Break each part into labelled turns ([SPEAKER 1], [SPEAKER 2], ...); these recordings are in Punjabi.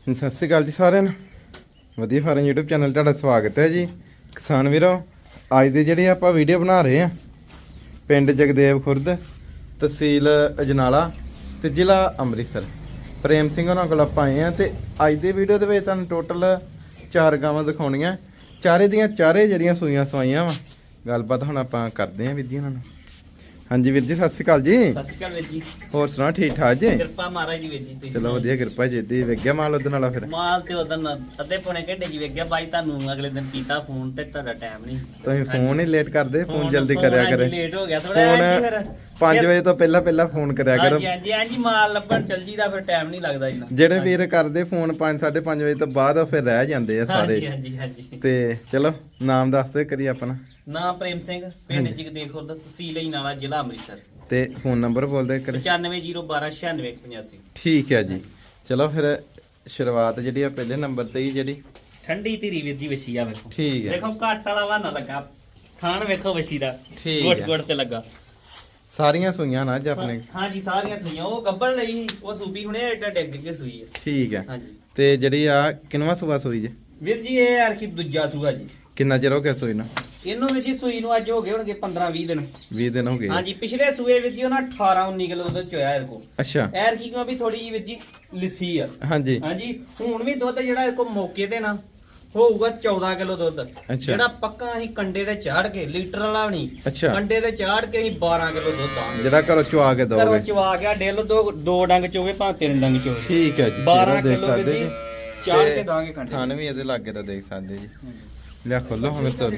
[SPEAKER 1] ਸਤਿ ਸ਼੍ਰੀ ਅਕਾਲ ਜੀ ਸਾਰਿਆਂ ਨੂੰ। ਵਧੀਆ ਫਾਰਮ YouTube ਚੈਨਲ ਤੁਹਾਡਾ ਸਵਾਗਤ ਹੈ ਜੀ। ਕਿਸਾਨ ਵੀਰੋ, ਅੱਜ ਦੇ ਜਿਹੜੇ ਆਪਾਂ ਵੀਡੀਓ ਬਣਾ ਰਹੇ ਆ ਪਿੰਡ ਜਗਦੇਵ ਖੁਰਦ, ਤਹਿਸੀਲ ਅਜਨਾਲਾ ਤੇ ਜ਼ਿਲ੍ਹਾ ਅੰਮ੍ਰਿਤਸਰ। ਪ੍ਰੇਮ ਸਿੰਘ ਉਹਨਾਂ ਕੋਲ ਆਪਾਂ ਆਏ ਆ ਤੇ ਅੱਜ ਦੀ ਵੀਡੀਓ ਦੇ ਵਿੱਚ ਤੁਹਾਨੂੰ ਟੋਟਲ 4 ਗਾਵਾਂ ਦਿਖਾਉਣੀਆਂ। ਚਾਰੇ ਦੀਆਂ ਚਾਰੇ ਜਿਹੜੀਆਂ ਸੂਈਆਂ ਸਵਾਈਆਂ ਵਾ। ਗੱਲਬਾਤ ਹੁਣ ਆਪਾਂ ਕਰਦੇ ਆ ਵੀਰ ਜੀ ਉਹਨਾਂ ਨਾਲ। ਹਾਂਜੀ ਵੀਰ ਜੀ, ਸਤਿ ਸ਼੍ਰੀ ਅਕਾਲ ਜੀ।
[SPEAKER 2] ਸਤਿ ਸ਼੍ਰੀ ਅਕਾਲ ਵੀਰ ਜੀ।
[SPEAKER 1] ਹੋਰ ਸੁਣਾ, ਠੀਕ ਠਾਕ ਜੀ?
[SPEAKER 2] ਕਿਰਪਾ ਮਹਾਰਾਜ ਜੀ ਵੀਰ ਜੀ। ਤੁਸੀਂ
[SPEAKER 1] ਚਲੋ ਵਧੀਆ, ਕਿਰਪਾ ਜੀ। ਦੀ ਵੇਖਿਆ ਮਾਲ ਉਹਦੇ ਨਾਲ ਫਿਰ
[SPEAKER 2] ਮਾਲ ਤੇ ਉਦੋਂ ਅੱਧੇ ਪੌਣੇ ਘੰਟੇ ਜੀ ਵੇਖ ਗਿਆ ਬਾਈ। ਤੁਹਾਨੂੰ ਅਗਲੇ ਦਿਨ ਕੀਤਾ ਫੋਨ ਤੇ ਤੁਹਾਡਾ ਟਾਈਮ ਨਹੀਂ।
[SPEAKER 1] ਤੁਸੀਂ ਫੋਨ ਹੀ ਲੇਟ ਕਰਦੇ, ਫੋਨ ਜਲਦੀ ਕਰਿਆ ਕਰੇ।
[SPEAKER 2] ਲੇਟ ਹੋ ਗਿਆ ਥੋੜਾ
[SPEAKER 1] ਫੋਨ 5 ਵਜੇ ਤੋਂ ਪਹਿਲਾਂ ਫੋਨ ਕਰਿਆ ਕਰੋ।
[SPEAKER 2] ਹਾਂਜੀ ਹਾਂਜੀ, ਮਾਲ ਲੱਭਣ ਚੱਲ ਜੀਦਾ, ਫਿਰ ਟਾਈਮ ਨਹੀਂ ਲੱਗਦਾ ਜੀ।
[SPEAKER 1] ਜਿਹੜੇ ਵੀਰ ਕਰਦੇ ਫੋਨ 5 5:30 ਵਜੇ ਤੋਂ ਬਾਅਦ ਫਿਰ ਰਹਿ ਜਾਂਦੇ ਆ ਸਾਰੇ।
[SPEAKER 2] ਹਾਂਜੀ ਹਾਂਜੀ।
[SPEAKER 1] ਤੇ ਚਲੋ ਨਾਮ ਦੱਸ ਦੇ ਕਰੀ ਆਪਣਾ।
[SPEAKER 2] ਨਾਮ ਪ੍ਰੇਮ ਸਿੰਘ, ਪਿੰਡ ਜਗਦੇਵ ਖੁਰਦ, ਤਹਿਸੀਲ ਅਜਨਾਲਾ, ਜ਼ਿਲ੍ਹਾ ਅੰਮ੍ਰਿਤਸਰ।
[SPEAKER 1] ਤੇ ਫੋਨ ਨੰਬਰ ਬੋਲ ਦੇ ਕਰੇ।
[SPEAKER 2] 9501296185।
[SPEAKER 1] ਠੀਕ ਹੈ ਜੀ। ਚਲੋ ਫਿਰ ਸ਼ੁਰੂਆਤ ਜਿਹੜੀ ਆ ਪਹਿਲੇ ਨੰਬਰ ਤੇ ਹੀ ਜਿਹੜੀ
[SPEAKER 2] ਠੰਡੀ ਧੀਰੀ ਵੀਰ ਜੀ ਵਸੀ ਆ ਵੇਖੋ।
[SPEAKER 1] ਠੀਕ ਹੈ।
[SPEAKER 2] ਦੇਖੋ ਘੱਟ ਵਾਲਾ ਵਾਨਾ ਲੱਗਾ, ਖਾਣ ਵੇਖੋ ਵਸੀ ਦਾ
[SPEAKER 1] ਠੀਕ
[SPEAKER 2] ਗੁੱਟ
[SPEAKER 1] ਹੈ।
[SPEAKER 2] ਗੁੱਟ ਤੇ ਲੱਗਾ।
[SPEAKER 1] ਸਾਰੀਆਂ ਸੂਈਆਂ ਨਾ ਅੱਜ ਆਪਣੇ।
[SPEAKER 2] ਹਾਂਜੀ ਸਾਰੀਆਂ ਸੂਈਆਂ। ਉਹ ਗੱਬਣ ਲਈ ਉਹ ਸੂਬੀ ਹੁਣੇ ਏਡਾ ਡਿੱਗ ਕੇ ਸੂਈ ਹੈ।
[SPEAKER 1] ਠੀਕ ਹੈ।
[SPEAKER 2] ਹਾਂਜੀ
[SPEAKER 1] ਤੇ ਜਿਹੜੀ ਆ ਕਿੰਨਵਾਂ ਸੂਆ ਸੂਈ ਜੀ?
[SPEAKER 2] ਵੀਰ ਜੀ ਇਹ ਯਾਰ ਕੀ ਦੂਜਾ ਸੂਆ ਜੀ।
[SPEAKER 1] ਕਿੰਨਾ ਚਿਰ ਹੋ ਗਿਆ ਸੂਈ ਨੂੰ?
[SPEAKER 2] ਇਹਨੂੰ ਵੀਰ ਜੀ ਸੂਈ ਨੂੰ ਅੱਜ ਹੋ ਗਏ ਹੋਣਗੇ 15-20 ਦਿਨ।
[SPEAKER 1] 20 ਦਿਨ ਹੋ ਗਏ।
[SPEAKER 2] ਹਾਂਜੀ, ਪਿਛਲੇ ਸੂਏ ਵੀਰ ਜੀ ਉਹਨਾਂ 18-19 ਕਿਲੋ ਦੁੱਧ ਚੋਇਆ ਇਹਦੇ ਕੋ।
[SPEAKER 1] ਅੱਛਾ।
[SPEAKER 2] ਐਰ ਕੀ ਕਿਉਂ ਵੀ ਥੋੜੀ ਜੀ ਵੀਰ ਜੀ ਲਿੱਸੀ ਆ।
[SPEAKER 1] ਹਾਂਜੀ
[SPEAKER 2] ਹਾਂਜੀ, ਹੁਣ ਵੀ ਦੁੱਧ ਜਿਹੜਾ ਇਹ ਕੋ ਮੌਕੇ ਤੇ ਨਾ ਹੋਊਗਾ 14 ਕਿਲੋ ਦੁੱਧ। ਜਿਹੜਾ ਪੱਕਾ ਅਸੀਂ ਕੰਡੇ ਤੇ ਚਾੜ ਕੇ, ਲੀਟਰ ਵਾਲਾ ਵੀ ਨਹੀਂ,
[SPEAKER 1] ਅੱਛਾ,
[SPEAKER 2] ਕੰਡੇ ਤੇ ਚਾੜ ਕੇ ਅਸੀਂ 12 ਕਿਲੋ ਦੁੱਧ ਆਂਗੇ।
[SPEAKER 1] ਜਿਹੜਾ ਘਰੋਂ ਚਵਾ ਕੇ
[SPEAKER 2] ਘਰੋਂ
[SPEAKER 1] ਦੋਗੇ।
[SPEAKER 2] ਚਵਾ ਗਿਆ ਡਿੱਲ ਦੋ ਡੰਗ ਚੋਵੇ ਭਾਵੇਂ 3 ਡੰਗ ਚੋਵੇ।
[SPEAKER 1] ਠੀਕ ਹੈ ਜੀ।
[SPEAKER 2] 12
[SPEAKER 1] ਦੇਖ
[SPEAKER 2] ਕਿਲੋ
[SPEAKER 1] ਸਕਦੇ
[SPEAKER 2] ਵੀਰ
[SPEAKER 1] ਜੀ।
[SPEAKER 2] ਜੀ ਚਾੜ ਕੇ ਦਾਂਗੇ ਕੰਡੇ।
[SPEAKER 1] ਥਣ ਵੀ ਇਹਦੇ ਲਾਗੇ ਤਾਂ ਦੇਖ ਸਕਦੇ ਜੀ। ਲਿਆ ਖੋਲੋ ਹੁਣ ਤੋਂ।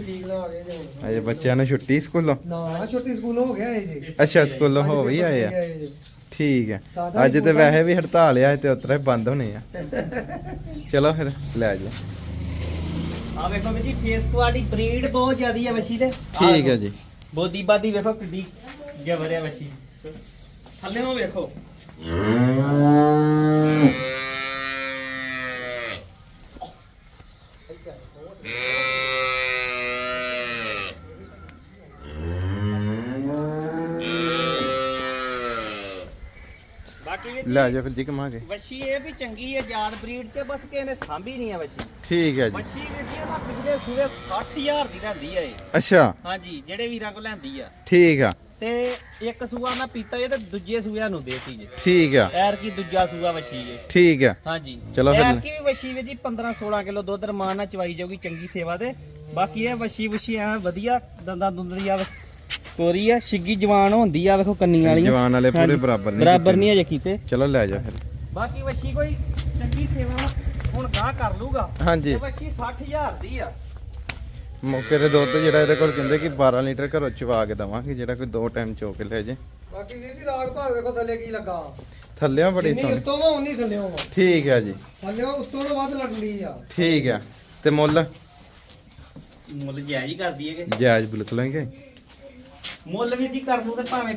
[SPEAKER 1] ਅਜੇ ਬੱਚਿਆਂ ਨੂੰ ਛੁੱਟੀ ਸਕੂਲੋਂ?
[SPEAKER 3] ਨਾ, ਛੁੱਟੀ ਸਕੂਲੋਂ ਹੋ ਗਿਆ ਇਹ ਜੀ।
[SPEAKER 1] ਅੱਛਾ, ਸਕੂਲੋਂ ਹੋ ਵੀ ਆਏ ਆ। ਠੀਕ ਹੈ। ਅੱਜ ਤੇ ਵੈਸੇ ਵੀ ਹੜਤਾਲ ਆ ਤੇ ਉਤਰਾ ਹੀ ਬੰਦ ਹੋਣੇ ਆ। ਚਲੋ ਫਿਰ ਲੈ ਜਾ।
[SPEAKER 2] ਆ ਵੇਖੋ ਵੀਰ ਜੀ, ਫੇਸ ਕੁਆਲਿਟੀ ਬਰੀਡ ਬਹੁਤ ਜ਼ਿਆਦੀ ਹੈ ਵਸ਼ੀ ਦੇ।
[SPEAKER 1] ਠੀਕ ਹੈ ਜੀ।
[SPEAKER 2] ਬੋਦੀ ਬਾਦੀ ਵੇਖੋ ਕਿੱਡੀ ਜਬਰਿਆ ਵਸ਼ੀ। ਥੱਲੇ ਨੂੰ ਵੇਖੋ। ਬਾਕੀ ਵੀ
[SPEAKER 1] ਲੈ ਜਾ ਫਿਰ ਜੀ ਕਮਾ ਕੇ।
[SPEAKER 2] ਵਸ਼ੀ ਇਹ ਵੀ ਚੰਗੀ ਹੈ ਜਾਤ ਬਰੀਡ ਚ, ਬਸ ਕਿਸੇ ਨੇ ਸਾਂਭੀ ਨਹੀਂ ਹੈ ਵਸ਼ੀ।
[SPEAKER 1] ਠੀਕ ਹੈ ਜੀ।
[SPEAKER 2] ਵਸ਼ੀ ਵੀਰ ਜੀ ਉਹਨਾਂ ਪਿਛਲੇ ਸੂਏ 60000 ਦੀ ਲੈਂਦੀ ਹੈ ਇਹ।
[SPEAKER 1] ਅੱਛਾ।
[SPEAKER 2] ਹਾਂਜੀ, ਜਿਹੜੇ ਵੀਰਾਂ ਕੋਲ ਲੈਂਦੀ ਆ।
[SPEAKER 1] ਠੀਕ ਆ।
[SPEAKER 2] ਤੇ ਇੱਕ ਸੂਆ ਮੈਂ ਪੀਤਾ ਜੇ ਤੇ ਦੂਜੇ ਸੂਆ ਨੂੰ ਦੇਤੀ ਜੇ।
[SPEAKER 1] ਠੀਕ ਆ।
[SPEAKER 2] ਐਰ ਕੀ ਦੂਜਾ ਸੂਆ ਵਸ਼ੀ ਜੇ।
[SPEAKER 1] ਠੀਕ ਆ।
[SPEAKER 2] ਹਾਂਜੀ
[SPEAKER 1] ਚਲੋ ਫਿਰ।
[SPEAKER 2] ਐਰ ਕੀ ਵੀ ਵਸ਼ੀ ਵੀ ਜੀ 15-16 ਕਿਲੋ ਦੁੱਧ ਰਮਾਨ ਨਾਲ ਚਵਾਈ ਜਾਊਗੀ ਚੰਗੀ ਸੇਵਾ ਤੇ। ਬਾਕੀ ਇਹ ਵਸ਼ੀ ਐ ਵਧੀਆ ਦੰਦਾਂ ਦੁੰਦਰੀ ਆ ਤੋਰੀ ਆ, ਛਿੱਗੀ ਜਵਾਨ ਹੁੰਦੀ ਆ। ਵੇਖੋ ਕੰਨੀ ਵਾਲੀ
[SPEAKER 1] ਜਵਾਨ ਵਾਲੇ ਪੂਰੇ ਬਰਾਬਰ
[SPEAKER 2] ਨਹੀਂ ਅਜੇ ਕੀਤੇ।
[SPEAKER 1] ਚਲੋ ਲੈ ਜਾ ਫਿਰ।
[SPEAKER 2] ਬਾਕੀ ਵਸ਼ੀ ਕੋਈ ਚੰਗੀ ਸੇਵਾ ਹੁਣ ਗਾਹ ਕਰ ਲੂਗਾ।
[SPEAKER 1] ਹਾਂਜੀ।
[SPEAKER 2] ਤੇ ਵਸ਼ੀ 60000 ਦੀ ਆ।
[SPEAKER 1] ਮੌਕੇ ਤੇ ਦੁੱਧ ਜਿਹੜਾ ਇਹਦੇ ਕੋਲ ਕਹਿੰਦੇ ਕਿ 12 ਲੀਟਰ ਘਰੋਂ ਚਵਾ ਕੇ ਦਵਾਂਗੇ, ਜਿਹੜਾ ਕੋਈ 2 ਟਾਈਮ ਚੋ ਕੇ ਲੈ ਜੇ।
[SPEAKER 3] ਬਾਕੀ ਵੀਰ ਜੀ ਰਾਗ ਭਾਗ ਵੇਖੋ ਥੱਲੇ ਕੀ ਲੱਗਾ।
[SPEAKER 1] ਥੱਲਿਆਂ ਬੜੀ
[SPEAKER 3] ਜਿੰਨੀ
[SPEAKER 1] ਸੋਹਣੀ।
[SPEAKER 3] ਉੱਤੋਂ ਵਾ ਉਨੀ ਥੱਲਿਓਂ ਵਾ।
[SPEAKER 1] ਠੀਕ ਹੈ ਜੀ।
[SPEAKER 3] ਥੱਲਿਓਂ ਉੱਤੋਂ ਤੋਂ ਵੱਧ ਲੱਗਦੀ ਆ।
[SPEAKER 1] ਠੀਕ ਹੈ। ਤੇ ਮੁੱਲ?
[SPEAKER 2] ਮੁੱਲ ਜਾਇਜ਼ ਹੀ ਕਰਦੀ ਹੈਗੇ।
[SPEAKER 1] ਜਾਇਜ਼ ਬਿਲਕੁਲ ਹੈਗੇ।
[SPEAKER 2] ਮੁੱਲ ਵੀ ਜੀ ਕਰ ਲੂ ਤੇ ਭਾਵੇਂ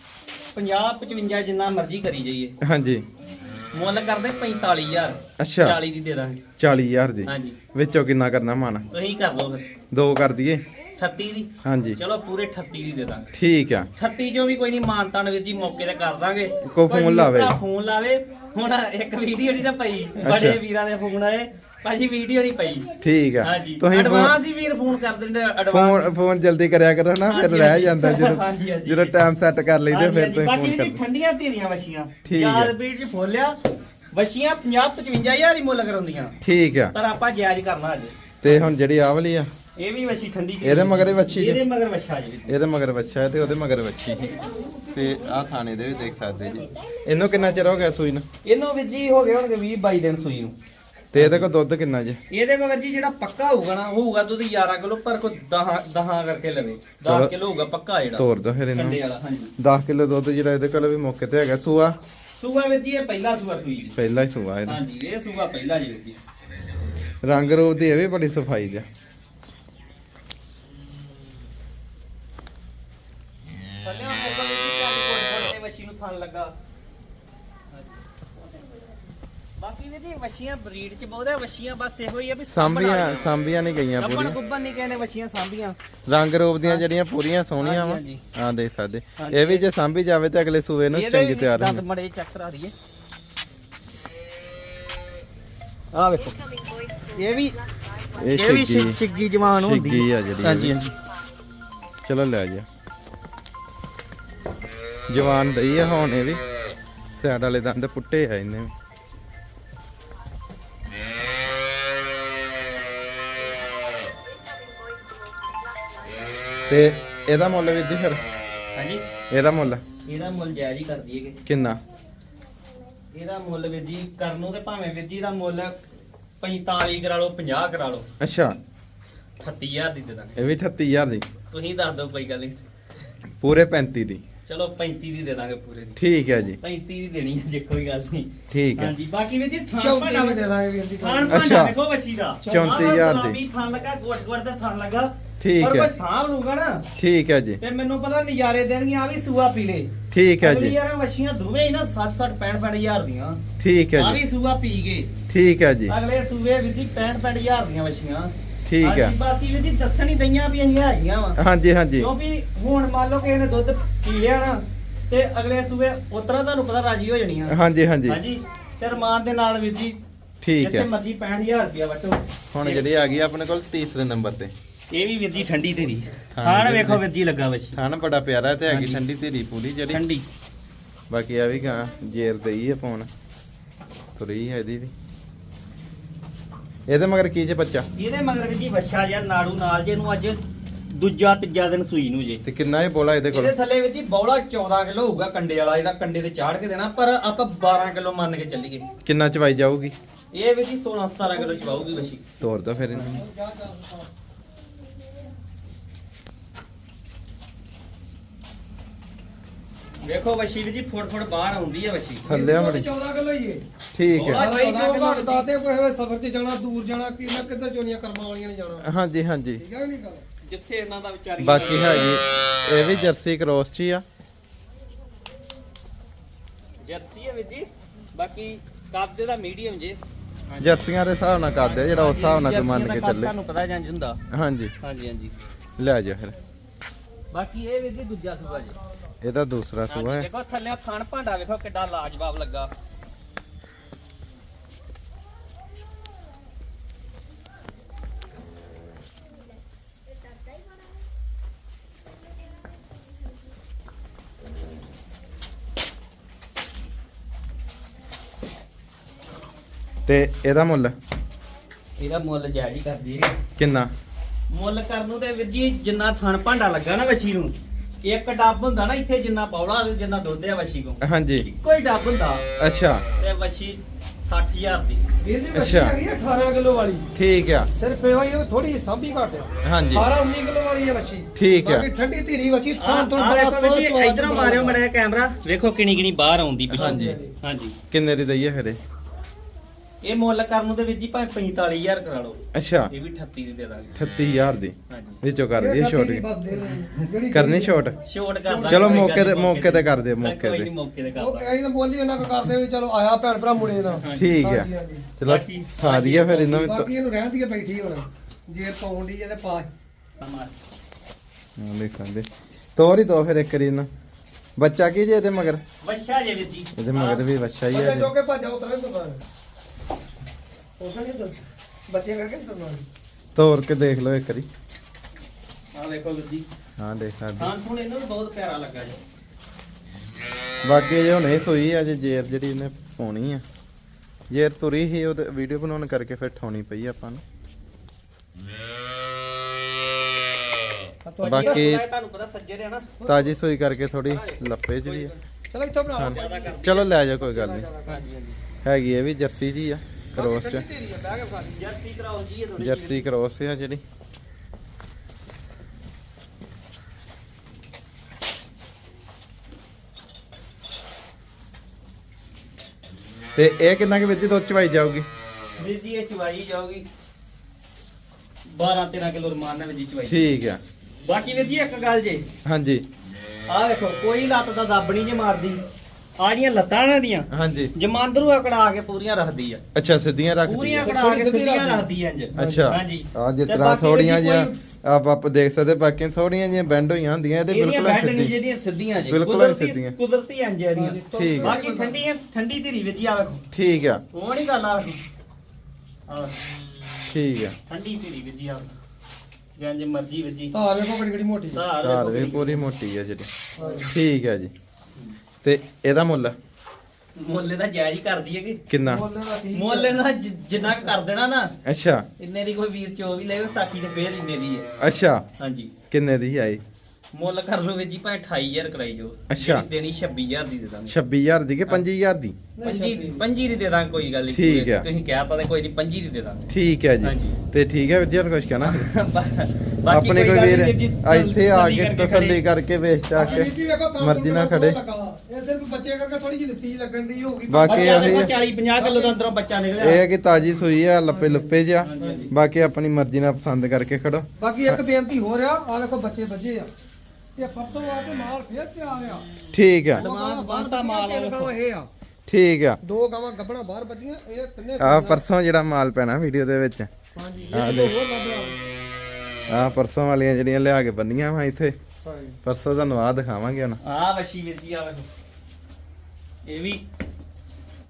[SPEAKER 2] 50-55 ਜਿੰਨਾ ਮਰਜ਼ੀ ਕਰੀ ਜਾਈਏ।
[SPEAKER 1] ਹਾਂਜੀ।
[SPEAKER 2] ਮੁੱਲ ਕਰਦੇ 45000।
[SPEAKER 1] ਅੱਛਾ।
[SPEAKER 2] 40 ਦੀ ਦੇ ਦਾਂਗੇ।
[SPEAKER 1] 40000 ਦੀ।
[SPEAKER 2] ਹਾਂਜੀ।
[SPEAKER 1] ਵਿੱਚੋਂ ਕਿੰਨਾ ਕਰਨਾ ਮਾਨ?
[SPEAKER 2] ਤੁਸੀਂ ਕਰ ਲਓ ਫਿਰ
[SPEAKER 1] 2 ਕਰ ਦਈਏ।
[SPEAKER 2] 38 ਦੀ।
[SPEAKER 1] ਹਾਂਜੀ।
[SPEAKER 2] ਚਲੋ ਪੂਰੇ 38 ਦੀ ਦੇ ਦਾਂਗੇ।
[SPEAKER 1] ਠੀਕ ਆ।
[SPEAKER 2] 38 ਚੋਂ ਵੀ ਕੋਈ ਨਹੀਂ ਮਾਨਤਾਨ ਵੀਰ ਜੀ ਮੌਕੇ ਤੇ ਕਰ ਦਾਂਗੇ।
[SPEAKER 1] ਕੋਈ ਫੋਨ ਲਾਵੇ।
[SPEAKER 2] ਫੋਨ ਲਾਵੇ। ਹੁਣ ਇੱਕ ਵੀਡੀਓ ਨਹੀਂ ਨਾ ਪਈ, ਬੜੇ ਵੀਰਾਂ ਦੇ ਫੋਨ ਆਏ ਭਾਜੀ ਵੀਡੀਓ ਨਹੀਂ ਪਈ।
[SPEAKER 1] ਠੀਕ ਆ।
[SPEAKER 2] ਹਾਂਜੀ,
[SPEAKER 1] ਤੁਸੀਂ
[SPEAKER 2] ਐਡਵਾਂਸ ਹੀ ਵੀਰ ਫੋਨ ਕਰ ਦਿੰਦੇ ਐਡਵਾਂਸ।
[SPEAKER 1] ਫੋਨ ਜਲਦੀ ਕਰਿਆ ਕਰੋ ਨਾ, ਫਿਰ ਰਹਿ ਜਾਂਦਾ
[SPEAKER 2] ਹਾਂਜੀ, ਹਾਂਜੀ।
[SPEAKER 1] ਜਦੋਂ ਟਾਈਮ ਸੈੱਟ ਕਰ ਲਈਦੇ ਫਿਰ ਤੁਸੀਂ
[SPEAKER 2] ਬਾਕੀ
[SPEAKER 1] ਫੋਨ
[SPEAKER 2] ਜੀ
[SPEAKER 1] ਕਰ।
[SPEAKER 2] ਠੰਡੀਆਂ ਧੀਰੀਆਂ ਵਸ਼ੀਆਂ
[SPEAKER 1] ਠੀਕ ਹੈ।
[SPEAKER 2] ਯਾਦ ਬਰੀਡ ਚ ਫੋਲਿਆ ਵਸ਼ੀਆਂ 50-55000 ਹੀ ਮੁੱਲ ਕਰਾਉਂਦੀਆਂ।
[SPEAKER 1] ਠੀਕ ਆ।
[SPEAKER 2] ਪਰ ਆਪਾਂ ਜਾਇਜ਼ ਕਰਨਾ ਅੱਜ।
[SPEAKER 1] ਤੇ ਹੁਣ ਜਿਹੜੀ ਆਹ ਵਾਲੀ ਆ,
[SPEAKER 2] ਇਹ ਵੀ ਵਸ਼ੀ ਠੰਡੀ
[SPEAKER 1] ਇਹਦੇ ਮਗਰ ਹੀ ਵੱਛੀ ਜੀ?
[SPEAKER 2] ਇਹਦੇ ਮਗਰ ਵਛਾ ਜੀ।
[SPEAKER 1] ਇਹਦੇ ਮਗਰ ਬੱਚਾ ਹੈ ਤੇ ਉਹਦੇ ਮਗਰ ਵੱਛੀ। ਤੇ ਆਹ ਥਾਣੇ ਦੇ ਵੀ ਦੇਖ ਸਕਦੇ ਜੀ। ਇਹਨੂੰ ਕਿੰਨਾ ਚਿਰ ਹੋ ਗਿਆ ਸੂਈ ਨੂੰ?
[SPEAKER 2] ਇਹਨੂੰ ਵੀ ਜੀ ਹੋ ਗਏ ਹੋਣਗੇ 20-22 ਦਿਨ ਸੂਈ ਨੂੰ।
[SPEAKER 1] ਤੇ ਇਹਦੇ ਕੋਲ ਦੁੱਧ ਕਿੰਨਾ ਜੀ?
[SPEAKER 2] ਇਹਦੇ ਮਗਰ ਜੀ ਜਿਹੜਾ ਪੱਕਾ ਹੋਊਗਾ ਨਾ, ਹੋਊਗਾ ਦੁੱਧ 11 ਕਿਲੋ, ਪਰ ਕੋਈ 10 ਕਰਕੇ ਲਵੇ 10 ਕਿਲੋ ਹੋਊਗਾ ਪੱਕਾ ਜਿਹੜਾ।
[SPEAKER 1] ਤੋਰ ਦੋ ਫਿਰ ਇਹਨੂੰ।
[SPEAKER 2] ਕੰਡੇ ਵਾਲਾ। ਹਾਂਜੀ।
[SPEAKER 1] 10 ਕਿਲੋ ਦੁੱਧ ਜਿਹੜਾ ਇਹਦੇ ਕੋਲ ਵੀ ਮੌਕੇ ਤੇ ਹੈਗਾ। ਸੂਆ
[SPEAKER 2] ਸੂਆ ਵਿੱਚ ਜੀ ਇਹ ਪਹਿਲਾ ਸੂਆ ਸੂਈ ਜੀ।
[SPEAKER 1] ਪਹਿਲਾ ਹੀ ਸੂਆ ਇਹਦਾ।
[SPEAKER 2] ਹਾਂਜੀ, ਇਹ ਸੂਆ ਪਹਿਲਾ ਜੀ ਜੀ।
[SPEAKER 1] ਰੰਗ ਰੂਪ ਦੀ ਇਹ ਵੀ ਬੜੀ ਸਫਾਈ ਦੀ।
[SPEAKER 2] ਥੱਲੇ ਮੋਗਾ ਵਿੱਚ ਕਾਲੀ ਕੋਟ ਤੇ ਵਸ਼ੀ ਨੂੰ ਥਣ ਲੱਗਾ। ਬਾਕੀ ਵੀ ਜੀ ਵਸ਼ੀਆਂ ਬਰੀਡ ਚ ਬਹੁਤ ਹੈ। ਵਸ਼ੀਆਂ ਬਸ ਇਹੋ ਹੀ ਆ ਵੀ
[SPEAKER 1] ਸਾਂਭੀਆਂ ਨਹੀਂ ਗਈਆਂ
[SPEAKER 2] ਗੱਬਣ
[SPEAKER 1] ਪੂਰੀਆਂ।
[SPEAKER 2] ਗੁੱਬਣ ਨਹੀਂ ਕਹਿੰਦੇ, ਵਸ਼ੀਆਂ ਸਾਂਭੀਆਂ।
[SPEAKER 1] ਰੰਗ ਰੂਪ ਦੀਆਂ ਜਿਹੜੀਆਂ ਪੂਰੀਆਂ ਸੋਹਣੀਆਂ ਵਾ।
[SPEAKER 2] ਹਾਂਜੀ,
[SPEAKER 1] ਹਾਂ ਦੇਖ ਸਕਦੇ। ਇਹ ਵੀ ਜੇ ਸਾਂਭੀ ਜਾਵੇ ਤੇ ਅਗਲੇ ਸੂਏ ਨੂੰ ਚੰਗੀ ਤਿਆਰ
[SPEAKER 2] ਦੰਦ
[SPEAKER 1] ਹੁੰਦੀ।
[SPEAKER 2] ਮੜੇ ਚੈੱਕ ਕਰਾ ਦਈਏ। ਆ ਵੇਖੋ ਇਹ ਵੀ
[SPEAKER 1] ਇਹ
[SPEAKER 2] ਵੀ
[SPEAKER 1] ਛਿੱਗੀ
[SPEAKER 2] ਛਿੱਗੀ ਜਵਾਨ ਹੁੰਦੀ
[SPEAKER 1] ਛਿੱਗੀ ਆ ਜਿਹੜੀ
[SPEAKER 2] ਹਾਂਜੀ
[SPEAKER 1] ਇਹ।
[SPEAKER 2] ਹਾਂਜੀ
[SPEAKER 1] ਚਲੋ ਲੈ ਜਾ ਜਵਾਨ ਦਈ ਆ ਹੁਣ ਇਹ ਵੀ ਸਾਈਡ ਵਾਲੇ ਦੰਦ ਪੁੱਟੇ ਆ ਇਹਨੇ ਵੀ। ਤੇ ਇਹਦਾ ਮੁੱਲ ਵੀ ਜੀ ਫਿਰ
[SPEAKER 2] ਹਾਂਜੀ
[SPEAKER 1] ਇਹਦਾ ਮੁੱਲ
[SPEAKER 2] ਇਹਦਾ ਮੁੱਲ ਜਾਇਜ਼ ਹੀ ਕਰ ਦਈਏ
[SPEAKER 1] ਕਿੰਨਾ
[SPEAKER 2] ਇਹਦਾ ਮੁੱਲ ਵੀਰ ਜੀ ਕਰਨ ਨੂੰ ਤੇ ਭਾਵੇਂ ਵੀਰ ਜੀ ਦਾ ਮੁੱਲ 45 ਕਰਾ ਲਓ 50 ਕਰਾ ਲਓ
[SPEAKER 1] ਅੱਛਾ
[SPEAKER 2] 38000 ਦੀ ਦੇ ਦਾਂਗੇ
[SPEAKER 1] ਇਹ ਵੀ 38000 ਦੀ
[SPEAKER 2] ਤੁਸੀਂ ਦੱਸ ਦਿਓ ਕੋਈ ਗੱਲ ਨਹੀਂ
[SPEAKER 1] ਪੂਰੇ 35 ਦੀ
[SPEAKER 2] ਚਲੋ 35 ਦੀ ਦੇ ਦਾਂਗੇ ਪੂਰੇ ਦੀ
[SPEAKER 1] ਠੀਕ ਹੈ ਜੀ
[SPEAKER 2] 35 ਦੀ ਦੇਣੀ ਹੈ ਜੇ ਕੋਈ ਗੱਲ ਨਹੀਂ
[SPEAKER 1] ਠੀਕ ਹੈ
[SPEAKER 2] ਹਾਂਜੀ ਬਾਕੀ ਵੀਰ ਜੀ ਥਾਣ
[SPEAKER 3] 34
[SPEAKER 2] ਭਾਂਡਾ
[SPEAKER 3] ਵੀ ਦੇ ਦਾਂਗੇ ਵੀਰ ਜੀ
[SPEAKER 2] ਥਾਣ
[SPEAKER 1] ਅੱਛਾ।
[SPEAKER 2] ਭਾਂਡਾ ਵੇਖੋ ਵਸ਼ੀ ਦਾ
[SPEAKER 1] 34,000 ਦੀ।
[SPEAKER 2] ਦੀ ਥਾਣ ਲੱਗਾ ਗੋਟ ਦੇ ਥਾਣ ਲੱਗਾ
[SPEAKER 1] ਠੀਕ
[SPEAKER 2] ਪਰ
[SPEAKER 1] ਹੈ।
[SPEAKER 2] ਕੋਈ ਸਾਂਭ ਲੂਗਾ ਨਾ
[SPEAKER 1] ਠੀਕ ਹੈ ਜੀ
[SPEAKER 2] ਤੇ ਮੈਨੂੰ ਪਤਾ ਨਜ਼ਾਰੇ ਦੇਣਗੀਆਂ ਆ ਵੀ ਸੂਆ ਪੀਲੇ
[SPEAKER 1] ਠੀਕ ਹੈ
[SPEAKER 2] ਅਗਲੀ
[SPEAKER 1] ਜੀ
[SPEAKER 2] ਯਾਰ ਵਸ਼ੀਆਂ ਦੋਵੇਂ ਹੀ ਨਾ 60 65 ਹਜ਼ਾਰ ਦੀਆਂ
[SPEAKER 1] ਠੀਕ ਹੈ
[SPEAKER 2] ਆ ਵੀ
[SPEAKER 1] ਜੀ
[SPEAKER 2] ਸੂਆ ਪੀ ਗਏ
[SPEAKER 1] ਠੀਕ ਹੈ ਜੀ
[SPEAKER 2] ਅਗਲੇ ਸੂਏ ਵਿੱਚ ਹੀ 65 ਹਜ਼ਾਰ ਦੀਆਂ ਵਸ਼ੀਆਂ
[SPEAKER 1] ਠੀਕ ਹੈ
[SPEAKER 2] ਹਾਂਜੀ, ਬਾਕੀ ਵੀ ਜੀ ਦੱਸਣ ਹੀ ਦਈਆਂ ਵੀ ਅਸੀਂ ਹੈਗੀਆਂ ਵਾ
[SPEAKER 1] ਹਾਂਜੀ ਹਾਂਜੀ
[SPEAKER 2] ਕਿਉਂਕਿ ਹੁਣ ਮੰਨ ਲਓ ਕਿਸੇ ਨੇ ਦੁੱਧ ਪੀ ਲਿਆ ਨਾ ਤੇ ਅਗਲੇ ਸੂਏ ਉਤਰਾ ਤੁਹਾਨੂੰ ਪਤਾ ਰਾਜੀ ਹੋ ਜਾਣੀਆਂ
[SPEAKER 1] ਹਾਂਜੀ ਹਾਂਜੀ
[SPEAKER 2] ਹਾਂਜੀ ਤੇ ਰਮਾਨ ਦੇ ਨਾਲ ਵੀਰ ਜੀ
[SPEAKER 1] ਠੀਕ
[SPEAKER 2] ਜਿੱਥੇ
[SPEAKER 1] ਹੈ
[SPEAKER 2] ਮਰਜੀ 65000 ਰੁਪਇਆ ਵਟੋ
[SPEAKER 1] ਹੁਣ ਜਿਹੜੀ ਆ ਗਈ ਆਪਣੇ ਕੋਲ ਤੀਸਰੇ ਨੰਬਰ ਤੇ
[SPEAKER 2] ਇਹ ਵੀ ਵੀਰ ਜੀ ਠੰਡੀ ਤੇਰੀ
[SPEAKER 1] ਹਾਂ,
[SPEAKER 2] ਖਾਣ
[SPEAKER 1] ਵੀਰ
[SPEAKER 2] ਵੇਖੋ
[SPEAKER 1] ਜੀ।
[SPEAKER 2] ਵੀਰ ਜੀ ਲੱਗਾ ਵਸ਼ੀ
[SPEAKER 1] ਥਣ ਬੜਾ ਪਿਆਰਾ ਤੇ ਹੈਗੀ
[SPEAKER 2] ਹਾਂਜੀ।
[SPEAKER 1] ਠੰਡੀ ਧੀਰੀ ਪੂਰੀ ਜਿਹੜੀ
[SPEAKER 2] ਠੰਡੀ
[SPEAKER 1] ਬਾਕੀ ਆ ਵੀ ਗਾਂ ਜੇਰ ਦਈ ਆ ਪਾਉਣ ਤੁਰੀ ਹੈ ਇਹਦੀ ਵੀ ਇਹਦੇ ਮਗਰ ਕੀ ਜੇ ਬੱਚਾ
[SPEAKER 2] ਇਹਦੇ ਮਗਰ ਵੀਰ ਜੀ ਵਛਾ ਜਾਂ ਨਾੜੂ ਨਾਲ ਜੇ ਨੂੰ ਅੱਜ ਦੂਜਾ ਤੀਜਾ ਦਿਨ ਸੂਈ ਨੂੰ ਜੇ
[SPEAKER 1] ਤੇ ਕਿੰਨਾ ਇਹ ਬੋਲਾ ਇਹਦੇ ਕੋਲ
[SPEAKER 2] ਇਹਦੇ ਥੱਲੇ ਵਿੱਚ ਜੀ ਬੌਲਾ 14 ਕਿਲੋ ਹੋਊਗਾ ਕੰਡੇ ਵਾਲਾ ਜਿਹੜਾ ਕੰਡੇ ਤੇ ਚਾੜ ਕੇ ਦੇਣਾ ਪਰ ਆਪਾਂ 12 ਕਿਲੋ ਮੰਨ ਕੇ ਚੱਲੀਏ
[SPEAKER 1] ਕਿੰਨਾ ਚਵਾਈ ਜਾਊਗੀ
[SPEAKER 2] ਇਹ ਵਿੱਚ ਜੀ 16 17 ਕਿਲੋ ਚਵਾਊਗੀ ਵਸ਼ੀ
[SPEAKER 1] ਤੋਰ ਦੋ ਫਿਰ ਇਹਨੂੰ
[SPEAKER 2] ਵੇਖੋ ਵਸ਼ੀ ਵੀ ਜੀ ਫੁੱਟ ਫੁੱਟ ਬਾਹਰ ਆਉਂਦੀ ਹੈ ਵਸ਼ੀ
[SPEAKER 1] ਥੱਲੇ ਆ ਮੜੀ
[SPEAKER 3] 14 ਕਿਲੋ ਹੀ ਹੈ
[SPEAKER 1] ਠੀਕ ਹੈ
[SPEAKER 2] ਬੋਲਾ 14 ਕਿਲੋ
[SPEAKER 3] ਘਟਦਾ ਤੇ ਕੋਈ ਹੋਵੇ ਸਫ਼ਰ 'ਚ ਜਾਣਾ ਦੂਰ ਜਾਣਾ ਕਿੰਨਾ ਕਿੱਧਰ ਚੋਣੀਆਂ ਕਰਮਾਂ ਵਾਲੀਆਂ ਨੇ ਜਾਣਾ
[SPEAKER 1] ਹਾਂਜੀ ਹਾਂਜੀ
[SPEAKER 3] ਠੀਕ ਹੈ ਨਹੀਂ ਗੱਲ
[SPEAKER 2] ਜਿੱਥੇ ਇਹਨਾਂ ਦਾ ਵਿਚਾਰੀ
[SPEAKER 1] ਬਾਕੀ ਹੈਗੀ ਇਹ ਵੀ ਜਰਸੀ ਕ੍ਰੋਸ ਚ ਹੀ ਆ
[SPEAKER 2] ਜਰਸੀ ਹੈ ਵੀਰ ਜੀ ਬਾਕੀ ਕੱਦ ਦਾ ਮੀਡੀਅਮ ਜੇ
[SPEAKER 1] ਜਰਸੀਆਂ ਦੇ ਹਿਸਾਬ ਨਾਲ ਕਰਦੇ ਆ ਜਿਹੜਾ ਉਸ ਹਿਸਾਬ ਨਾਲ ਕੋਈ ਮੰਨ ਕੇ
[SPEAKER 2] ਜਰਸੀਆਂ ਦਾ ਕੱਦ
[SPEAKER 1] ਚੱਲੇ
[SPEAKER 2] ਤੁਹਾਨੂੰ ਪਤਾ ਜੰਜ ਹੁੰਦਾ
[SPEAKER 1] ਹਾਂਜੀ
[SPEAKER 2] ਹਾਂਜੀ ਹਾਂਜੀ
[SPEAKER 1] ਲੈ ਜਾ ਫਿਰ
[SPEAKER 2] ਬਾਕੀ ਇਹ ਵੀਰ ਜੀ ਦੂਜਾ ਸੂਆ ਜੀ
[SPEAKER 1] ਇਹਦਾ ਦੂਸਰਾ ਸੂਆ
[SPEAKER 2] ਹਾਂਜੀ,
[SPEAKER 1] ਹੈ
[SPEAKER 2] ਦੇਖੋ ਥੱਲੇ ਖਾਣ ਭਾਂਡਾ ਵੇਖੋ ਕਿੱਡਾ ਲਾਜਵਾਬ ਲੱਗਾ
[SPEAKER 1] ਤੇ ਇਹਦਾ ਮੁੱਲ
[SPEAKER 2] ਇਹਦਾ ਮੁੱਲ ਜਾਇਜ਼ ਹੀ ਕਰ ਦਈਏ
[SPEAKER 1] ਕਿੰਨਾ
[SPEAKER 2] ਮੁੱਲ ਕਰਨ ਨੂੰ ਤੇ ਵੀਰ ਜੀ ਜਿੰਨਾ ਥਣ ਭਾਂਡਾ ਲੱਗਾ ਨਾ ਵਸ਼ੀ ਨੂੰ ਇੱਕ ਡੱਬ ਹੁੰਦਾ ਨਾ ਇੱਥੇ ਜਿੰਨਾ ਪੌੜਾ ਤੇ ਜਿੰਨਾ ਦੁੱਧ ਆ ਵਸ਼ੀ ਕੋ
[SPEAKER 1] ਹਾਂਜੀ
[SPEAKER 2] ਇੱਕੋ ਹੀ ਡੱਬ ਹੁੰਦਾ
[SPEAKER 1] ਅੱਛਾ
[SPEAKER 2] ਤੇ ਵਸ਼ੀ 60000 ਦੀ
[SPEAKER 3] ਵੀਰ ਜੀ
[SPEAKER 1] ਅੱਛਾ।
[SPEAKER 3] ਮੱਛੀ ਹੈਗੀ ਹੈ 18 ਕਿਲੋ ਵਾਲੀ
[SPEAKER 1] ਠੀਕ ਆ
[SPEAKER 3] ਸਿਰਫ ਇਹੋ ਹੀ ਹੈ ਥੋੜੀ ਸਾਂਭੀ ਘੱਟ ਹੈ
[SPEAKER 1] ਹਾਂਜੀ
[SPEAKER 3] 18 19 ਕਿਲੋ ਵਾਲੀ ਹੈ ਮੱਛੀ
[SPEAKER 1] ਠੀਕ ਹੈ।
[SPEAKER 3] ਬਾਕੀ ਠੰਡੀ ਧੀਰੀ ਮੱਛੀ
[SPEAKER 2] ਆਹ
[SPEAKER 3] ਤੋਂ
[SPEAKER 2] ਵੇਖੋ ਵੀਰ ਜੀ ਇਧਰੋਂ ਮਾਰਿਓ ਮੜਿਆ ਕੈਮਰਾ ਵੇਖੋ ਕਿਣੀ ਕਿਣੀ ਬਾਹਰ ਆਉਂਦੀ ਪਿੱਛੇ
[SPEAKER 1] ਹਾਂਜੀ।
[SPEAKER 2] ਹਾਂਜੀ
[SPEAKER 1] ਕਿੰਨੇ ਦੀ ਦਈਏ ਫਿਰ ਇਹ?
[SPEAKER 2] ਇਹ ਮੁੱਲ ਕਰਨ ਨੂੰ ਤੇ ਵੀਰ ਜੀ ਭਾਵੇਂ 45000 ਕਰਾ ਲਓ
[SPEAKER 1] ਅੱਛਾ
[SPEAKER 2] ਇਹ ਵੀ 38 ਦੀ ਦੇ ਦਾਂਗੇ
[SPEAKER 1] 38000 ਦੀ
[SPEAKER 2] ਹਾਂਜੀ
[SPEAKER 1] ਵਿੱਚੋਂ ਕਰ ਦਈਏ ਛੋਟ
[SPEAKER 3] ਜਿਹੜੀ
[SPEAKER 1] ਕਰਨੀ ਛੋਟ
[SPEAKER 2] ਛੋਟ ਕਰ ਦਾਂਗੇ
[SPEAKER 1] ਚਲੋ
[SPEAKER 2] ਕੋਈ
[SPEAKER 1] ਮੌਕੇ
[SPEAKER 2] ਗੱਲ
[SPEAKER 1] ਤੇ
[SPEAKER 2] ਨੀ,
[SPEAKER 1] ਮੌਕੇ ਤੇ ਕਰ ਦਿਓ ਮੌਕੇ
[SPEAKER 2] ਕੋਈ
[SPEAKER 1] ਤੇ
[SPEAKER 2] ਨਹੀਂ ਮੌਕੇ ਤੇ ਕਰ
[SPEAKER 3] ਉਹ
[SPEAKER 2] ਦਾਂਗੇ
[SPEAKER 3] ਕਹੀ ਨਾ ਬੋਲੀ ਉਹਨਾਂ ਕੋ ਕਰਦੇ ਵੀ ਚਲੋ ਆਇਆ ਭੈਣ ਭਰਾ ਮੁੰਡੇ ਨਾਲ
[SPEAKER 1] ਠੀਕ ਹੈ
[SPEAKER 3] ਹਾਂਜੀ, ਹਾਂਜੀ।
[SPEAKER 1] ਚਲੋ
[SPEAKER 2] ਬਾਕੀ-
[SPEAKER 1] ਖਾ ਦਈਏ ਫਿਰ ਇਹਨਾਂ ਵਿੱਚ
[SPEAKER 3] ਬਾਕੀ ਇਹਨੂੰ ਰਹਿਣ ਦੀਏ ਬੈਠੀ ਹੁਣ ਜੇ ਪਾਉਣ ਦੀ ਤੇ ਪਾ
[SPEAKER 1] ਦੇਖਾਂ ਦੇ ਤੋਰ ਹੀ ਦੋ ਫਿਰ ਇੱਕ ਰੀ ਨਾ ਬੱਚਾ ਕੀ ਜੇ ਇਹਦੇ ਮਗਰ
[SPEAKER 2] ਵਛਾ ਜੇ ਵੀਰ ਜੀ
[SPEAKER 1] ਇਹਦੇ ਮਗਰ ਵੀ ਬੱਚਾ ਹੀ
[SPEAKER 3] ਬੱਚੇ
[SPEAKER 1] ਹੈ
[SPEAKER 3] ਜੋ
[SPEAKER 1] ਜੀ
[SPEAKER 3] ਕੇ ਭੱਜਾ ਉਤਰੇ ਤੋਂ ਬਾਅਦ ਉਸੇ ਨਹੀਂ ਤਾਂ ਬੱਚੇ ਕਰਕੇ ਤੁਰਨਾ
[SPEAKER 1] ਤੋਰ ਕੇ ਦੇਖ ਲਓ ਇੱਕ ਰੀ
[SPEAKER 2] ਆਹ ਵੇਖੋ ਵੀਰ ਜੀ
[SPEAKER 1] ਹਾਂ ਦੇਖ ਸਕਦੇ
[SPEAKER 2] ਖਾਣ ਥੋਣ ਇਹਨੂੰ ਵੀ ਬਹੁਤ ਪਿਆਰਾ ਲੱਗਾ ਜੀ
[SPEAKER 1] ਬਾਕੀ ਜੇ ਹੁਣੇ ਸੋਈ ਆ ਜੇ ਜੇਰ ਜਿਹੜੀ ਇਹਨੇ ਪਾਉਣੀ ਆ ਜੇਰ ਤੁਰੀ ਹੀ ਉਹ ਵੀਡੀਓ ਬਣਾਉਣ ਕਰਕੇ ਫਿਰ ਠਾਉਣੀ ਪਈ ਆਪਾਂ ਨੂੰ ਬਾਕੀ
[SPEAKER 2] ਤੁਹਾਨੂੰ ਪਤਾ ਸੱਜੇ ਦੇ ਨਾ
[SPEAKER 1] ਤਾਜੀ ਸੋਈ ਕਰਕੇ ਥੋੜੀ ਲੱਪੇ ਚ ਵੀ ਆ
[SPEAKER 3] ਚਲੋ ਇੱਥੋਂ ਬਣਾ ਲਓ
[SPEAKER 2] ਜ਼ਿਆਦਾ ਕਰ
[SPEAKER 1] ਚਲੋ ਲੈ ਜਾ ਕੋਈ ਗੱਲ ਨਹੀਂ
[SPEAKER 2] ਹਾਂਜੀ ਹਾਂਜੀ
[SPEAKER 1] ਹੈਗੀ ਇਹ ਵੀ ਜਰਸੀ ਜੀ ਆ ਕ੍ਰੋਸ ਚ
[SPEAKER 3] ਠੰਡੀ ਧੀਰੀ ਹੈ ਬਹਿ ਕੇ ਸਾਰੀ
[SPEAKER 2] ਜਰਸੀ ਕਰਾਓ ਜੀ ਇਹ ਥੋੜੀ
[SPEAKER 1] ਜਰਸੀ ਕ੍ਰੋਸ ਆ ਜਿਹੜੀ ਤੇ ਇਹ ਕਿੰਨਾ ਕਿ ਵਿੱਚ ਦੁੱਧ ਚਵਾਈ ਜਾਊਗੀ
[SPEAKER 2] ਵੀਰ ਜੀ ਇਹ ਚਵਾਈ ਜਾਊਗੀ 12 13 ਕਿਲੋ ਰਮਾਨ ਨਾਲ ਵੀਰ ਜੀ ਚਵਾਈ
[SPEAKER 1] ਠੀਕ ਆ
[SPEAKER 2] ਬਾਕੀ ਵੀਰ ਜੀ ਇੱਕ ਗੱਲ ਜੇ
[SPEAKER 1] ਹਾਂਜੀ
[SPEAKER 2] ਆਹ ਵੇਖੋ ਕੋਈ ਲੱਤ ਦਾ ਦੱਬ ਨਹੀਂ ਜੇ ਮਾਰਦੀ ਆ ਜਿਹੜੀਆਂ ਲੱਤਾਂ ਨਾ ਦੀਆਂ
[SPEAKER 1] ਹਾਂਜੀ
[SPEAKER 2] ਜਮਾਂਦਰੂ ਅਕੜਾ ਕੇ ਪੂਰੀਆਂ ਰੱਖਦੀ ਆ
[SPEAKER 1] ਅੱਛਾ ਸਿੱਧੀਆਂ ਰੱਖ
[SPEAKER 2] ਪੂਰੀਆਂ
[SPEAKER 1] ਦਿੱਤੀਆਂ।
[SPEAKER 2] ਅਕੜਾ ਕੇ
[SPEAKER 3] ਸਿੱਧੀ
[SPEAKER 2] ਸਿੱਧੀਆਂ
[SPEAKER 3] ਰੱਖਦੀ।
[SPEAKER 2] ਰੱਖਦੀ ਆ ਇੰਜ
[SPEAKER 1] ਅੱਛਾ
[SPEAKER 2] ਹਾਂਜੀ
[SPEAKER 1] ਆ ਜਿਸ
[SPEAKER 2] ਤੇ
[SPEAKER 1] ਤਰ੍ਹਾਂ
[SPEAKER 2] ਬਾਕੀ
[SPEAKER 1] ਥੋੜੀਆਂ
[SPEAKER 2] ਇਹਦੀ
[SPEAKER 1] ਜਿਹੀਆਂ
[SPEAKER 2] ਕੋਈ-
[SPEAKER 1] ਆਪ ਦੇਖ ਸਕਦੇ ਬਾਕੀ ਥੋੜੀਆਂ ਜਿਹੀਆਂ ਬੈਂਡ ਹੋਈਆਂ ਹੁੰਦੀਆਂ ਇਹਦੇ
[SPEAKER 2] ਇਹਦੀਆਂ
[SPEAKER 1] ਬਿਲਕੁਲ
[SPEAKER 2] ਬੈੱਡ ਨਹੀਂ
[SPEAKER 1] ਸਿੱਧੀ
[SPEAKER 2] ਜਿਹੜੀਆਂ ਸਿੱਧੀਆਂ ਜੇ
[SPEAKER 1] ਬਿਲਕੁਲ
[SPEAKER 2] ਕੁਦਰਤੀ-
[SPEAKER 1] ਸਿੱਧੀਆਂ।
[SPEAKER 2] ਕੁਦਰਤੀ ਇੰਜ ਇਹਦੀਆਂ
[SPEAKER 1] ਠੀਕ ਆ।
[SPEAKER 2] ਬਾਕੀ ਠੰਡੀ ਧੀਰੀ ਵਿੱਚ ਹੀ ਆ ਵੇਖੋ
[SPEAKER 1] ਠੀਕ ਆ
[SPEAKER 2] ਉਹ ਨਹੀਂ ਗੱਲ ਆ ਵੇਖੋ ਆ
[SPEAKER 1] ਠੀਕ ਆ
[SPEAKER 2] ਠੰਡੀ ਧੀਰੀ ਵੀਰ ਜੀ ਆ ਜੰਜ ਮਰਜੀ ਵੀਰ ਜੀ
[SPEAKER 3] ਧਾਰ ਵੇਖੋ ਬੜੀ ਮੋਟੀ ਹੈ।
[SPEAKER 2] ਧਾਰ
[SPEAKER 1] ਧਾਰ ਵੀ ਪੂਰੀ ਮੋਟੀ ਆ ਜਿਹੜੀ ਠੀਕ ਆ ਜੀ ਤੇ ਇਹਦਾ ਮੁੱਲ
[SPEAKER 2] ਮੁੱਲ ਦਾ ਜਾਇਜ਼ ਹੀ ਕਰਦੀ ਹੈ ਕਿ
[SPEAKER 1] ਕਿੰਨਾ
[SPEAKER 3] ਮੁੱਲ ਦਾ 30
[SPEAKER 2] ਮੁੱਲ ਨਾ ਜਿੰਨਾ ਕੁ ਕਰ ਦੇਣਾ ਨਾ
[SPEAKER 1] ਅੱਛਾ
[SPEAKER 2] ਇੰਨੇ ਦੀ ਕੋਈ ਵੀਰ ਚੋ ਵੀ ਲੈ ਸਾਖੀ ਤੇ ਫੇਰ ਇੰਨੇ ਦੀ ਹੈ
[SPEAKER 1] ਅੱਛਾ
[SPEAKER 2] ਹਾਂਜੀ
[SPEAKER 1] ਕਿੰਨੇ ਦੀ ਆਈ
[SPEAKER 2] ਮੁੱਲ ਕਰ ਲਓ ਵੀਰ ਜੀ ਭਾਵੇਂ 28000 ਕਰਾਈ ਜੋ
[SPEAKER 1] ਅੱਛਾ।
[SPEAKER 2] ਜਿਹੜੀ ਦੇਣੀ 26000 ਦੀ ਦੇ ਦਾਂਗੇ
[SPEAKER 1] 26000 ਦੀ ਕਿ 25000 ਦੀ
[SPEAKER 2] 25 ਦੀ ਦੇ ਦਾਂਗੇ ਕੋਈ ਗੱਲ ਨਹੀਂ
[SPEAKER 1] ਠੀਕ ਆ।
[SPEAKER 2] ਤੁਸੀਂ ਕਹਿਤਾ ਤੇ ਕੋਈ ਨਹੀਂ 25 ਦੀ ਦੇ ਦਾਂਗੇ
[SPEAKER 1] ਠੀਕ ਹੈ ਜੀ
[SPEAKER 2] ਹਾਂਜੀ।
[SPEAKER 1] ਤੇ ਠੀਕ ਹੈ ਵਿਦਿਆ ਕੁਛ ਕਹਿਣਾ
[SPEAKER 2] ਬਾਕੀ
[SPEAKER 1] ਆਪਣੇ ਕੋਈ
[SPEAKER 2] ਗੱਲ
[SPEAKER 1] ਵੀਰ
[SPEAKER 2] ਨੀ ਵੀਰ ਜੀ,
[SPEAKER 1] ਇੱਥੇ ਆ
[SPEAKER 2] ਤਸੱਲੀ
[SPEAKER 1] ਕੇ
[SPEAKER 2] ਕਰਕੇ
[SPEAKER 1] ਤਸੱਲੀ ਕਰਕੇ ਵੇਚ ਚਾ
[SPEAKER 3] ਬਾਕੀ
[SPEAKER 1] ਕੇ
[SPEAKER 3] ਵੀਰ ਜੀ ਵੇਖੋ ਥਾਂ
[SPEAKER 1] ਮਰਜ਼ੀ ਨਾਲ
[SPEAKER 3] ਥੋੜ੍ਹਾ
[SPEAKER 1] ਖੜੇ
[SPEAKER 3] ਲੱਗਾ ਵਾ। ਇਹ ਸਿਰਫ ਬੱਚੇ ਕਰਕੇ ਥੋੜੀ ਜਿਹੀ ਲੱਸੀ ਲੱਗਣ ਦੀ ਹੋਊਗੀ
[SPEAKER 1] ਬਾਕੀ
[SPEAKER 2] ਬੱਚਾ
[SPEAKER 1] ਉਹੀ
[SPEAKER 2] ਦੇਖੋ
[SPEAKER 1] ਆ।
[SPEAKER 2] 40 50 ਕਿਲੋ ਦਾ ਅੰਦਰੋਂ ਬੱਚਾ
[SPEAKER 1] ਇਹ
[SPEAKER 2] ਨਿਕਲਿਆ
[SPEAKER 1] ਹੈ ਕਿ ਤਾਜੀ ਸੂਈ ਆ ਲੱਪੇ ਲੁੱਪੇ ਜਿਹਾ
[SPEAKER 2] ਹਾਂਜੀ, ਹਾਂਜੀ।
[SPEAKER 1] ਬਾਕੀ ਆਪਣੀ ਮਰਜ਼ੀ ਨਾਲ ਪਸੰਦ ਕਰਕੇ ਖੜੋ
[SPEAKER 3] ਬਾਕੀ ਇੱਕ ਬੇਨਤੀ ਹੋ ਰਿਹਾ ਆ ਵੇਖੋ ਬੱਚੇ ਵੱਜੇ ਆ ਤੇ ਪਰਸੋਂ ਆ ਕੇ ਮਾਲ ਫੇਰ ਤਿਆਰ ਆ
[SPEAKER 1] ਠੀਕ ਆ
[SPEAKER 2] ਐਡਵਾਂਸ ਬੰਨਤਾ ਮਾਲ
[SPEAKER 3] ਤਿੰਨ ਗਾਵਾਂ ਇਹ ਆ
[SPEAKER 1] ਠੀਕ ਆ
[SPEAKER 3] ਦੋ ਗਾਵਾਂ ਗੱਭਣਾ ਬਾਹਰ ਵੱਜੀਆਂ ਇਹ ਤਿੰਨੇ
[SPEAKER 1] ਆ ਪਰਸੋਂ ਜਿਹੜਾ ਮਾਲ ਪੈਣਾ ਵੀਡੀਓ ਦੇ ਵਿੱਚ
[SPEAKER 3] ਹਾਂਜੀ
[SPEAKER 1] ਆ
[SPEAKER 3] ਇਹ
[SPEAKER 1] ਦੇਖ।
[SPEAKER 3] ਹੋਰ ਲੱਭਿਆ
[SPEAKER 1] ਆ ਪਰਸੋਂ ਵਾਲੀਆਂ ਜਿਹੜੀਆਂ ਲਿਆ ਕੇ ਬੰਨੀਆਂ ਵਾ ਇੱਥੇ
[SPEAKER 3] ਹਾਂਜੀ
[SPEAKER 1] ਪਰਸੋਂ ਤੁਹਾਨੂੰ ਆ ਦਿਖਾਵਾਂਗੇ ਹੁਣ
[SPEAKER 2] ਆ ਵਸ਼ੀ ਵੀਰ ਜੀ ਆ ਵੇਖੋ ਇਹ ਵੀ